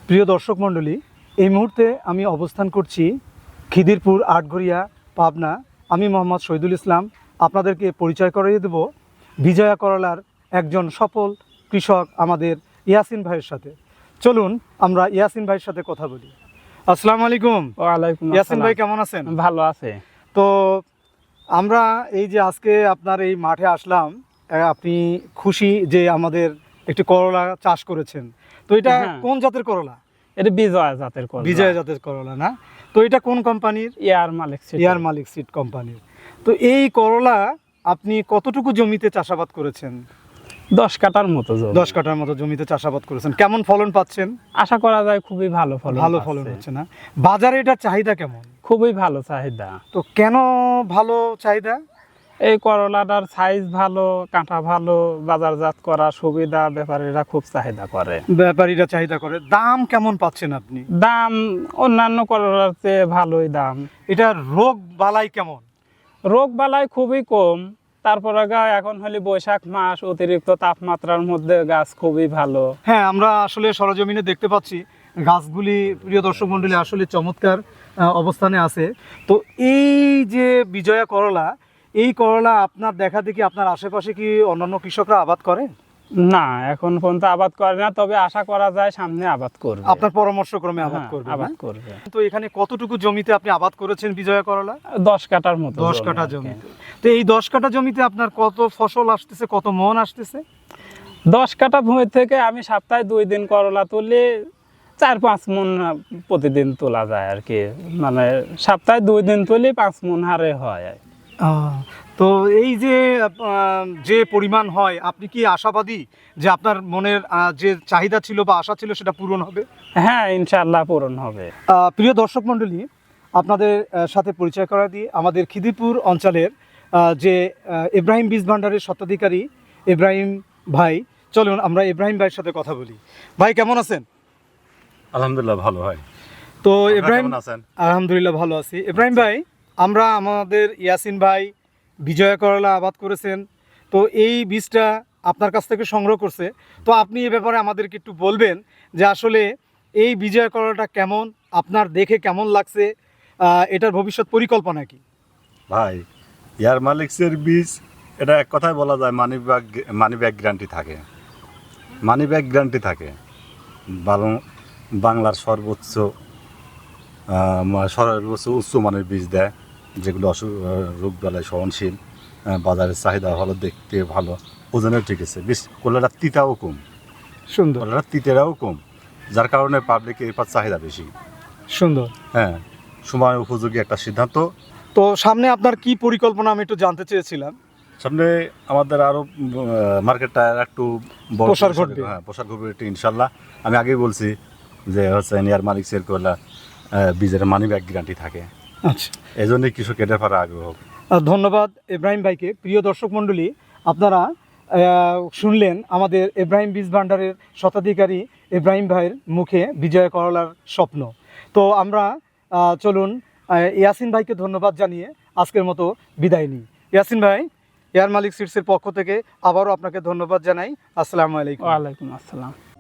প্রিয় দর্শক মণ্ডলী, এই মুহূর্তে আমি অবস্থান করছি খিদিরপুর আটঘরিয়া, পাবনা। আমি মোহাম্মদ শহীদুল ইসলাম আপনাদেরকে পরিচয় করিয়ে দেব বিজয়া করলার একজন সফল কৃষক আমাদের ইয়াসিন ভাইয়ের সাথে। চলুন আমরা ইয়াসিন ভাইয়ের সাথে কথা বলি। আসসালামু আলাইকুম। ওয়ালাইকুম ইয়াসিন ভাই আসসালাম। কেমন আছেন? ভালো আছে। তো আমরা এই যে আজকে আপনার এই মাঠে আসলাম, আপনি খুশি যে আমাদের একটি করলা চাষ করেছেন। তো এটা হ্যাঁ। কোন জাতের করলা? এটা বিজয় জাতের করলা। বিজয় জাতের করলা না? তো এটা কোন কোম্পানির? ইয়ার মালিক সিড। ইয়ার মালিক সিড কোম্পানির। তো এই করলা আপনি কতটুকু জমিতে চাষাবাদ করেছেন? 10 কাঠার মতো জমি। 10 কাঠার মতো জমিতে চাষাবাদ করেছেন। কেমন ফলন পাচ্ছেন? আশা করা যায় খুবই ভালো ফলন। ভালো ফলন হচ্ছে না? বাজারে এটার চাহিদা কেমন? খুবই ভালো চাহিদা। তো কেন ভালো চাহিদা? এই করলাটার সাইজ ভালো, কাঁটা ভালো, বাজারজাত করা সুবিধা, ব্যাপারীরা খুব চাহিদা করে। ব্যাপারীরা চাহিদা করে। দাম কেমন পাচ্ছেন আপনি? দাম অন্যান্য করলার চেয়ে ভালোই দাম। এটা রোগ বালাই কেমন? রোগ বালাই খুবই কম। তারপরে এখন হলে বৈশাখ মাস, অতিরিক্ত তাপমাত্রার মধ্যে গাছ খুবই ভালো। হ্যাঁ, আমরা আসলে সরজমিনে দেখতে পাচ্ছি গাছগুলি, প্রিয় দর্শক মণ্ডলী, আসলে চমৎকার অবস্থানে আছে। তো এই যে বিজয়া করলা, এই করলা আপনার দেখা দেখি আপনার আশেপাশে কি অন্যান্য কৃষকরা আবাদ করে? না, এখন পর্যন্ত আবাদ করে না, তবে আশা করা যায় সামনে আবাদ করবে। আপনার পরামর্শক্রমে আবাদ হ্যাঁ, করবে? আবাদ না? করবে। তো এখানে কতটুকু জমিতে আপনি আবাদ করেছেন বিজয়া করলা? 10 কাঠার মতো। 10 কাঠা জমিতে। তো এই 10 কাঠা জমিতে আপনার কত ফসল আসতেছে, কত মন আসতেছে? 10 কাঠা ভূমি থেকে আমি সপ্তাহে 2 দিন করলা তুলি, 4-5 মন প্রতিদিন তোলা যায় আর কি। মানে সপ্তাহে 2 দিন তুলি 5 মন হারে হয়। তো এই যে যে পরিমাণ হয়, আপনি কি আশাবাদী যে আপনার মনের যে চাহিদা ছিল বা আশা ছিল সেটা পূরণ হবে? হ্যাঁ, ইনশাআল্লাহ পূরণ হবে। প্রিয় দর্শক মণ্ডলী, আপনাদের সাথে পরিচয় করা দিয়ে আমাদের খিদিরপুর অঞ্চলের যে ইব্রাহিম বীজ ভান্ডারের স্বত্বাধিকারী ইব্রাহিম ভাই। চলুন আমরা ইব্রাহিম ভাইয়ের সাথে কথা বলি। ভাই কেমন আছেন? আলহামদুলিল্লাহ ভালো হয়। তো আপনারা ইব্রাহিম, কেমন আছেন? আলহামদুলিল্লাহ ভালো আছি। ইব্রাহিম ভাই, আমরা আমাদের ইয়াসিন ভাই বিজয়া করলা আবাদ করেছেন, তো এই বীজটা আপনার কাছ থেকে সংগ্রহ করছে। তো আপনি এ ব্যাপারে আমাদেরকে একটু বলবেন যে আসলে এই বিজয়া করলাটা কেমন, আপনার দেখে কেমন লাগছে, এটার ভবিষ্যৎ পরিকল্পনা কি? ভাই, ইয়ার মালিক্সের বীজ, এটা এক কথায় বলা যায় মানি ব্যাগ গ্যারান্টি থাকে। মানি ব্যাগ গ্যারান্টি থাকে। বাংলার সর্বোচ্চ উচ্চ মানের বীজ দেয়, যেগুলো রোগ বালায় সহনশীল, বাজারের চাহিদা ভালো, দেখতে ভালো, ওজনেও ঠিক আছে। বীজ কলাটা তিতাও কম, সুন্দর। কলাটা তিতেরাও কম, যার কারণে পাবলিকের এর চাহিদা বেশি। সুন্দর। হ্যাঁ, সময় উপযোগী একটা সিদ্ধান্ত। তো সামনে আপনার কি পরিকল্পনা আমি একটু জানতে চেয়েছিলাম। সামনে আমাদের আরো মার্কেটটা একটু বড় প্রসার ঘটবে। হ্যাঁ, প্রসার ঘটবে একটু ইনশাল্লাহ। আমি আগেই বলছি যে হচ্ছে ইয়ার মালিক সেল করলে বীজের মানি ব্যাগ গ্যারান্টি থাকে। আচ্ছা, এই জন্যই কৃষক এটার পরে আগ্রহ। ধন্যবাদ ইব্রাহিম ভাইকে। প্রিয় দর্শক মণ্ডলী, আপনারা শুনলেন আমাদের ইব্রাহিম বীজ ভান্ডারের স্বত্বাধিকারী ইব্রাহিম ভাইয়ের মুখে বিজয় করলার স্বপ্ন। তো আমরা চলুন ইয়াসিন ভাইকে ধন্যবাদ জানিয়ে আজকের মতো বিদায় নিই। ইয়াসিন ভাই, এয়ার মালিক সিডসের পক্ষ থেকে আবারও আপনাকে ধন্যবাদ জানাই। আসসালামু আলাইকুম। ওয়ালাইকুম আসসালাম।